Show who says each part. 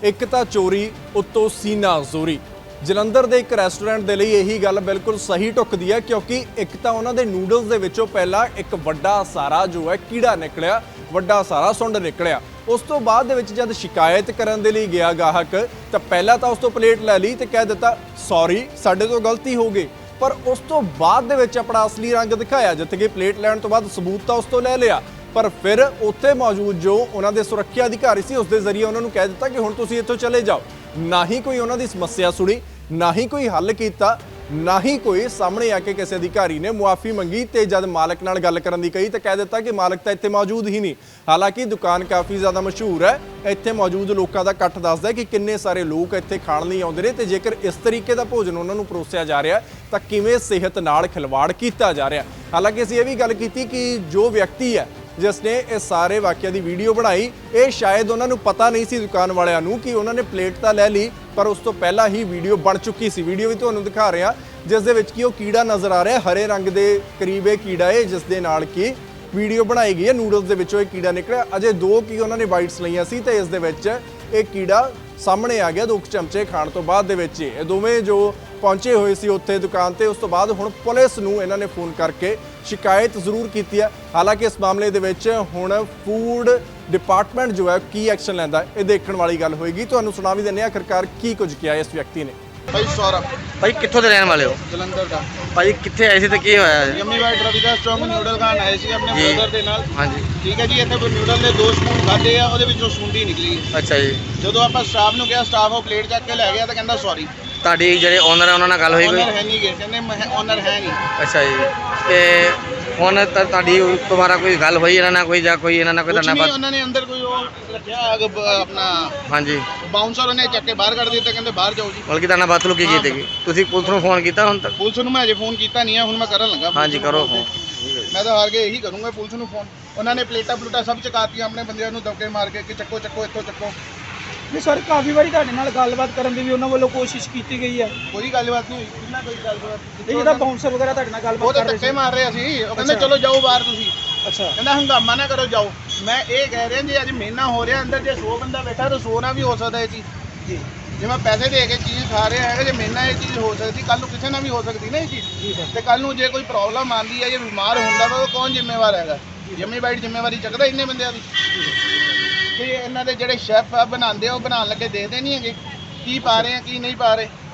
Speaker 1: ਇੱਕ ਤਾਂ ਚੋਰੀ ਉੱਤੋਂ ਸੀਨਾ ਜ਼ੋਰੀ। ਜਲੰਧਰ ਦੇ ਇੱਕ ਰੈਸਟੋਰੈਂਟ ਦੇ ਲਈ ਇਹੀ ਗੱਲ ਬਿਲਕੁਲ ਸਹੀ ਢੁੱਕਦੀ ਹੈ ਕਿਉਂਕਿ ਇੱਕ ਤਾਂ ਉਹਨਾਂ ਦੇ ਨੂਡਲਸ ਦੇ ਵਿੱਚੋਂ ਪਹਿਲਾਂ ਇੱਕ ਵੱਡਾ ਸਾਰਾ ਜੋ ਹੈ ਕੀੜਾ ਨਿਕਲਿਆ, ਵੱਡਾ ਸਾਰਾ ਸੁੰਡ ਨਿਕਲਿਆ। ਉਸ ਤੋਂ ਬਾਅਦ ਦੇ ਵਿੱਚ ਜਦ ਸ਼ਿਕਾਇਤ ਕਰਨ ਦੇ ਲਈ ਗਿਆ ਗਾਹਕ ਤਾਂ ਪਹਿਲਾਂ ਤਾਂ ਉਸ ਤੋਂ ਪਲੇਟ ਲੈ ਲਈ ਤੇ ਕਹਿ ਦਿੱਤਾ ਸੌਰੀ ਸਾਡੇ ਤੋਂ ਗਲਤੀ ਹੋ ਗਈ, ਪਰ ਉਸ ਤੋਂ ਬਾਅਦ ਦੇ ਵਿੱਚ ਆਪਣਾ ਅਸਲੀ ਰੰਗ ਦਿਖਾਇਆ ਜਿੱਥੇ ਕਿ ਪਲੇਟ ਲੈਣ ਤੋਂ ਬਾਅਦ ਸਬੂਤ ਤਾਂ ਉਸ ਤੋਂ ਲੈ ਲਿਆ, ਪਰ ਫਿਰ ਉੱਥੇ ਮੌਜੂਦ ਜੋ ਉਹਨਾਂ ਦੇ ਸੁਰੱਖਿਆ ਅਧਿਕਾਰੀ ਸੀ ਉਸ ਦੇ ਜ਼ਰੀਏ ਉਹਨਾਂ ਨੂੰ ਕਹਿ ਦਿੱਤਾ ਕਿ ਹੁਣ ਤੁਸੀਂ ਇੱਥੋਂ ਚਲੇ ਜਾਓ। ਨਾ ਹੀ ਕੋਈ ਉਹਨਾਂ ਦੀ ਸਮੱਸਿਆ ਸੁਣੀ, ਨਾ ਹੀ ਕੋਈ ਹੱਲ ਕੀਤਾ, ਨਾ ਹੀ ਕੋਈ ਸਾਹਮਣੇ ਆ ਕੇ ਕਿਸੇ ਅਧਿਕਾਰੀ ਨੇ ਮੁਆਫੀ ਮੰਗੀ ਤੇ ਜਦ ਮਾਲਕ ਨਾਲ ਗੱਲ ਕਰਨ ਦੀ ਕਹੀ ਤਾਂ ਕਹਿ ਦਿੱਤਾ ਕਿ ਮਾਲਕ ਤਾਂ ਇੱਥੇ ਮੌਜੂਦ ਹੀ ਨਹੀਂ। ਹਾਲਾਂਕਿ ਦੁਕਾਨ ਕਾਫੀ ਜ਼ਿਆਦਾ ਮਸ਼ਹੂਰ ਹੈ, ਇੱਥੇ ਮੌਜੂਦ ਲੋਕਾਂ ਦਾ ਇਕੱਠ ਦੱਸਦਾ ਕਿ ਕਿੰਨੇ ਸਾਰੇ ਲੋਕ ਇੱਥੇ ਖਾਣ ਲਈ ਆਉਂਦੇ ਨੇ ਤੇ ਜੇਕਰ ਇਸ ਤਰੀਕੇ ਦਾ ਭੋਜਨ ਉਹਨਾਂ ਨੂੰ ਪਰੋਸਿਆ ਜਾ ਰਿਹਾ ਤਾਂ ਕਿਵੇਂ ਸਿਹਤ ਨਾਲ ਖਿਲਵਾੜ ਕੀਤਾ ਜਾ ਰਿਹਾ। ਹਾਲਾਂਕਿ ਅਸੀਂ ਇਹ ਵੀ ਗੱਲ ਕੀਤੀ ਕਿ ਜੋ ਵਿਅਕਤੀ ਹੈ ਜਿਸ ਨੇ ਇਸ ਸਾਰੇ ਵਾਕਿਆ ਦੀ ਵੀਡੀਓ ਬਣਾਈ, ਇਹ ਸ਼ਾਇਦ ਉਹਨਾਂ ਨੂੰ ਪਤਾ ਨਹੀਂ ਸੀ ਦੁਕਾਨ ਵਾਲਿਆਂ ਨੂੰ ਕਿ ਉਹਨਾਂ ਨੇ ਪਲੇਟ ਤਾਂ ਲੈ ਲਈ ਪਰ ਉਸ ਤੋਂ ਪਹਿਲਾਂ ਹੀ ਵੀਡੀਓ ਬਣ ਚੁੱਕੀ ਸੀ। ਵੀਡੀਓ ਵੀ ਤੁਹਾਨੂੰ ਦਿਖਾ ਰਿਹਾ ਜਿਸ ਦੇ ਵਿੱਚ ਕਿ ਉਹ ਕੀੜਾ ਨਜ਼ਰ ਆ ਰਿਹਾ, ਹਰੇ ਰੰਗ ਦੇ ਕਰੀਬ ਇਹ ਕੀੜਾ ਹੈ ਜਿਸ ਦੇ ਨਾਲ ਕਿ ਵੀਡੀਓ ਬਣਾਈ ਗਈ ਹੈ। ਨੂਡਲਸ ਦੇ ਵਿੱਚੋਂ ਇਹ ਕੀੜਾ ਨਿਕਲਿਆ, ਅਜੇ 2 ਕੀ ਉਹਨਾਂ ਨੇ ਬਾਈਟਸ ਲਈਆਂ ਸੀ ਤੇ ਇਸ ਦੇ ਵਿੱਚ ਇਹ ਕੀੜਾ ਸਾਹਮਣੇ ਆ ਗਿਆ 2 ਚਮਚੇ ਖਾਣ ਤੋਂ ਬਾਅਦ ਦੇ ਵਿੱਚ। ਇਹ ਦੋਵੇਂ ਜੋ ਪਹੁੰਚੇ ਹੋਏ ਸੀ ਉੱਥੇ ਦੁਕਾਨ ਤੇ, ਉਸ ਤੋਂ ਬਾਅਦ ਹੁਣ ਪੁਲਿਸ ਨੂੰ ਇਹਨਾਂ ਨੇ ਫੋਨ ਕਰਕੇ ਸ਼ਿਕਾਇਤ ਜ਼ਰੂਰ ਕੀਤੀ ਹੈ। ਹਾਲਾਂਕਿ ਇਸ ਮਾਮਲੇ ਦੇ ਵਿੱਚ ਹੁਣ ਫੂਡ ਡਿਪਾਰਟਮੈਂਟ ਜੋ ਹੈ ਕੀ ਐਕਸ਼ਨ ਲੈਂਦਾ ਇਹ ਦੇਖਣ ਵਾਲੀ ਗੱਲ ਹੋਏਗੀ। ਤੁਹਾਨੂੰ ਸੁਣਾ ਵੀ ਦਿੰਦੇ ਹਾਂ ਆਖਰਕਾਰ ਕੀ ਕੁਝ ਕਿਹਾ ਇਸ ਵਿਅਕਤੀ ਨੇ।
Speaker 2: ਭਾਈ ਸੌਰਵ
Speaker 3: ਭਾਈ ਕਿੱਥੋਂ ਦੇ ਰਹਿਣ ਵਾਲੇ ਹੋ?
Speaker 2: ਜਲੰਧਰ ਦਾ।
Speaker 3: ਭਾਈ ਕਿੱਥੇ ਆਏ ਸੀ ਤੇ ਕੀ ਹੋਇਆ ਜੀ?
Speaker 2: ਯੰਮੀ ਵਾਈਟ ਰਵੀ ਦਾ ਸਟ੍ਰੋਂਗ ਨਿਊਡਲ ਖਾਣ ਆਏ ਸੀ ਆਪਣੇ
Speaker 3: ਜੀ।
Speaker 2: ਬ੍ਰਦਰ ਦੇ ਨਾਲ।
Speaker 3: ਹਾਂਜੀ
Speaker 2: ਠੀਕ ਹੈ ਜੀ, ਇੱਥੇ ਨਿਊਡਲ ਦੇ 2 ਸਪੂਨ ਖਾਦੇ ਆ, ਉਹਦੇ ਵਿੱਚੋਂ ਸੁੰਡੀ ਨਿਕਲੀ।
Speaker 3: ਅੱਛਾ ਜੀ।
Speaker 2: ਜਦੋਂ ਆਪਾਂ ਸਟਾਫ ਨੂੰ ਕਿਹਾ, ਸਟਾਫ ਉਹ ਪਲੇਟ ਚੱਕ ਕੇ ਲੈ ਗਿਆ ਤਾਂ ਕਹਿੰਦਾ ਸੌਰੀ।
Speaker 3: ਤੁਹਾਡੀ ਜਿਹੜੇ ਓਨਰ ਆ ਉਹਨਾਂ ਨਾਲ ਗੱਲ ਹੋਈ ਕੋਈ?
Speaker 2: ਓਨਰ ਹੈ ਨਹੀਂ ਗੇ, ਕਹਿੰਦੇ ਓਨਰ ਹੈ ਨਹੀਂ।
Speaker 3: ਅੱਛਾ ਜੀ। ਤੇ ਹੁਣ ਤੁਹਾਡੀ ਦੁਬਾਰਾ ਕੋਈ ਗੱਲ ਹੋਈ ਇਹਨਾਂ ਨਾਲ ਕੋਈ ਜਾਂ ਕੋਈ ਇਹਨਾਂ ਨਾਲ ਕੋਈ
Speaker 2: ਕੁਛ
Speaker 3: ਤੁਹਾਡਾ
Speaker 2: ਨਹੀਂ,
Speaker 3: ਬਾਤ?
Speaker 2: ਉਹਨਾਂ ਨੇ ਅੰਦਰ ਕੋਈ ਉਹ ਰੱਖਿਆ ਆਪਣਾ
Speaker 3: ਹਾਂਜੀ,
Speaker 2: ਬਾਉਂਸਰ, ਉਹਨੇ ਚੱਕ ਕੇ ਬਾਹਰ ਕੱਢ ਦਿੱਤਾ, ਕਹਿੰਦੇ ਬਾਹਰ ਜਾਓ ਜੀ।
Speaker 3: ਬਲਕਿ ਤੁਹਾਡਾ ਬਾਤ ਕੀ ਕੀਤੀ? ਤੁਸੀਂ ਪੁਲਿਸ ਨੂੰ ਫੋਨ ਕੀਤਾ ਹੁਣ ਤੱਕ?
Speaker 2: ਪੁਲਿਸ ਨੂੰ ਮੈਂ ਅਜੇ ਫੋਨ ਕੀਤਾ ਨਹੀਂ ਹੈ, ਹੁਣ ਮੈਂ ਕਰਨ ਲੱਗਾ।
Speaker 3: ਹਾਂਜੀ ਕਰੋ ਫੋਨ।
Speaker 2: ਮੈਂ ਤਾਂ ਹਾਰ ਕੇ ਇਹੀ ਕਰੂੰਗਾ ਪੁਲਿਸ ਨੂੰ ਫੋਨ। ਉਹਨਾਂ ਨੇ ਪਲੇਟਾਂ ਪਲੂਟਾਂ ਸਭ ਚਕਾਤੀਆਂ ਆਪਣੇ ਬੰਦਿਆਂ ਨੂੰ ਦਬਕੇ ਮਾਰ ਕੇ ਕਿ ਚੱਕੋ ਚੱਕੋ ਇੱਥੋਂ ਚੱਕੋ।
Speaker 4: ਨਹੀਂ ਸਰ, ਕਾਫੀ ਵਾਰੀ ਤੁਹਾਡੇ ਨਾਲ ਗੱਲਬਾਤ ਕਰਨ ਦੀ ਵੀ ਉਹਨਾਂ ਵੱਲੋਂ ਕੋਸ਼ਿਸ਼ ਕੀਤੀ ਗਈ ਹੈ।
Speaker 2: ਕੋਈ ਗੱਲਬਾਤ ਨਹੀਂ ਹੋਈ, ਕਿੰਨਾ ਕੋਈ ਗੱਲਬਾਤ।
Speaker 4: ਇਹ ਜਿਹੜਾ ਬਾਉਂਸਰ ਵਗੈਰਾ ਤੁਹਾਡੇ ਨਾਲ
Speaker 2: ਉਹ
Speaker 4: ਗੱਲਬਾਤ
Speaker 2: ਤਾਂ
Speaker 4: ਕਰ ਰਹੇ
Speaker 2: ਧੱਕੇ
Speaker 4: ਸੀ।
Speaker 2: ਮਾਰ ਰਹੇ ਸੀ, ਉਹ ਕਹਿੰਦੇ
Speaker 4: ਅੱਛਾ।
Speaker 2: ਚਲੋ ਜਾਓ ਬਾਹਰ ਤੁਸੀਂ।
Speaker 4: ਅੱਛਾ।
Speaker 2: ਕਹਿੰਦਾ ਹੰਗਾਮਾ ਨਾ ਕਰੋ, ਜਾਓ। ਮੈਂ ਇਹ ਕਹਿ ਰਿਹਾ ਜੀ ਅੱਜ ਮਹੀਨਾ ਹੋ ਰਿਹਾ ਅੰਦਰ, ਜੇ 100 ਬੰਦਾ ਬੈਠਾ ਤਾਂ 100 ਨਾਲ ਵੀ ਹੋ ਸਕਦਾ ਇਹ ਚੀਜ਼।
Speaker 4: ਜੀ
Speaker 2: ਜੇ ਮੈਂ ਪੈਸੇ ਦੇ ਕੇ ਚੀਜ਼ ਖਾ ਰਿਹਾ ਹੈਗਾ, ਜੇ ਮਹੀਨਾ ਇਹ ਚੀਜ਼ ਹੋ ਸਕਦੀ, ਕੱਲ ਨੂੰ ਕਿਸੇ ਨਾਲ ਵੀ ਹੋ ਸਕਦੀ ਨਾ ਇਹ ਚੀਜ਼।
Speaker 4: ਜੀ ਸਰ।
Speaker 2: ਤੇ ਕੱਲ ਨੂੰ ਜੇ ਕੋਈ ਪ੍ਰੋਬਲਮ ਆਉਂਦੀ ਹੈ, ਜੇ ਬਿਮਾਰ ਹੁੰਦਾ ਵਾ, ਉਹ ਕੌਣ ਜ਼ਿੰਮੇਵਾਰ ਹੈਗਾ? ਯੰਮੀ ਬਾਈਟ ਜ਼ਿੰਮੇਵਾਰੀ ਚੱਕਦਾ ਇੰਨੇ ਬੰਦਿਆਂ ਦੀ? ਤੇ ਇਹਨਾਂ ਦੇ ਜਿਹੜੇ ਸ਼ੈਫ ਆ ਬਣਾਉਂਦੇ ਆ, ਉਹ ਬਣਾਉਣ ਲੱਗੇ ਦੇਖਦੇ ਨਹੀਂ ਹੈਗੇ ਕੀ ਪਾ ਰਹੇ ਆ ਕੀ ਨਹੀਂ ਪਾ ਰਹੇ।